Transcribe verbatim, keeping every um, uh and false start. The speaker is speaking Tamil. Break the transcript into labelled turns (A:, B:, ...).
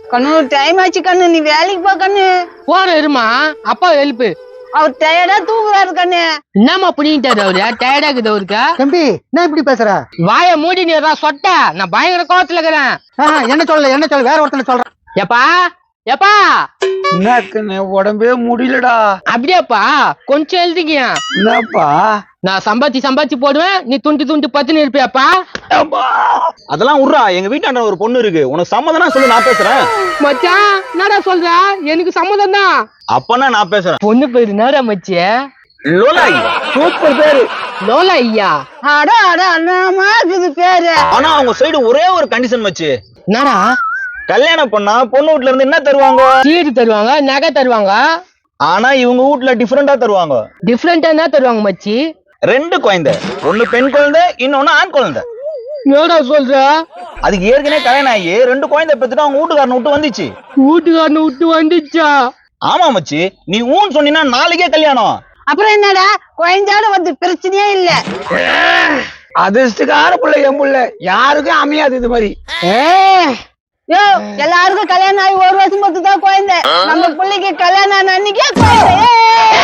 A: கண்ணு டைம் ஆச்சு கண்ணு, நீ வேலைக்கு போ கண்ணு.
B: போற இருமா, அப்பா ஹெல்ப்.
A: அவர் டயர்டா தூங்குறாரு கண்ணு.
B: என்னமா புடிங்கிட்டாரு அவரு? டயர்டா இருக்குது அவருக்கு.
C: தம்பி என்ன இப்படி பேசுற?
B: வாய மூடி நீரா சொட்ட. நான் பயங்கர கோவத்துல இருக்கிறேன்.
C: என்ன சொல்ல என்ன சொல்ல வேற ஒருத்தனை சொல்றேன்.
B: எப்பா எப்பா
D: என்ன உடம்பே முடியலடா.
B: அப்படியாப்பா? கொஞ்சம் எழுதிக்கியா?
D: என்னப்பா?
B: நான் சம்பாதிச்சு சம்பாதிச்சு போடுவேன், நீ துண்டு துண்டு பத்துன்னு இருப்பியாப்பா?
E: அதெல்லாம் விட்றா, எங்க வீட்டாண்ட ஒரு பொண்ணு இருக்கு, உனக்கு சம்மதம்னா சொல்லு, நான் பேசுறேன்.
B: மச்சான் என்னடா சொல்ற? எனக்கு சம்மதம் தான்.
E: அப்பனா நான் பேசுறேன்.
B: பொண்ணு பேரு என்னடா மச்சி?
E: லோலா ஐயா.
D: சூப்பர் பேரு.
B: லோலா ஐயா.
A: அட அட அண்ணாமா இருக்குது பேரு.
E: ஆனா அவங்க சைடு ஒரே ஒரு கண்டிஷன் வச்சு.
B: என்னடா?
E: கல்யாணம் பண்ணா பொண்ணு வீட்டுல இருந்து என்ன தருவாங்க?
B: சீடு தருவாங்க, நகை தருவாங்க.
E: ஆனா இவங்க வீட்டுல டிஃபரெண்டா தருவாங்க.
B: டிஃபரெண்டா என்ன தருவாங்க மச்சி?
E: ரெண்டு குழந்தை, ஒண்ணு பெண் குழந்தை, இன்னொன்னு ஆண் குழந்தை.
B: என்னடா சொல்ற?
E: அதுக்கு ஏற்கனவே கல்யாணம் ஆகி ரெண்டு குழந்தை பெத்துட்டு அவங்க வீட்டுக்காரனை விட்டு வந்துச்சு.
B: வீட்டுக்காரனை விட்டு வந்துச்சா?
E: ஆமா மச்சி, நீ ஊன்னு சொன்னீங்கன்னா நாளைக்கே கல்யாணம்.
A: அப்புறம் என்னடா, குழந்தையோட வந்து பிரச்சனையே இல்ல.
D: அதிர்ஷ்டக்கார புள்ள என் புள்ள, யாருக்கும் அமையாது இது மாதிரி.
A: யோ, எல்லாருக்கும் கல்யாணம் ஆகி ஒரு வருஷம் மட்டும் தான் குழந்தை. நம்ம பிள்ளைக்கு கல்யாணம் ஆன அன்னைக்கே குழந்தை.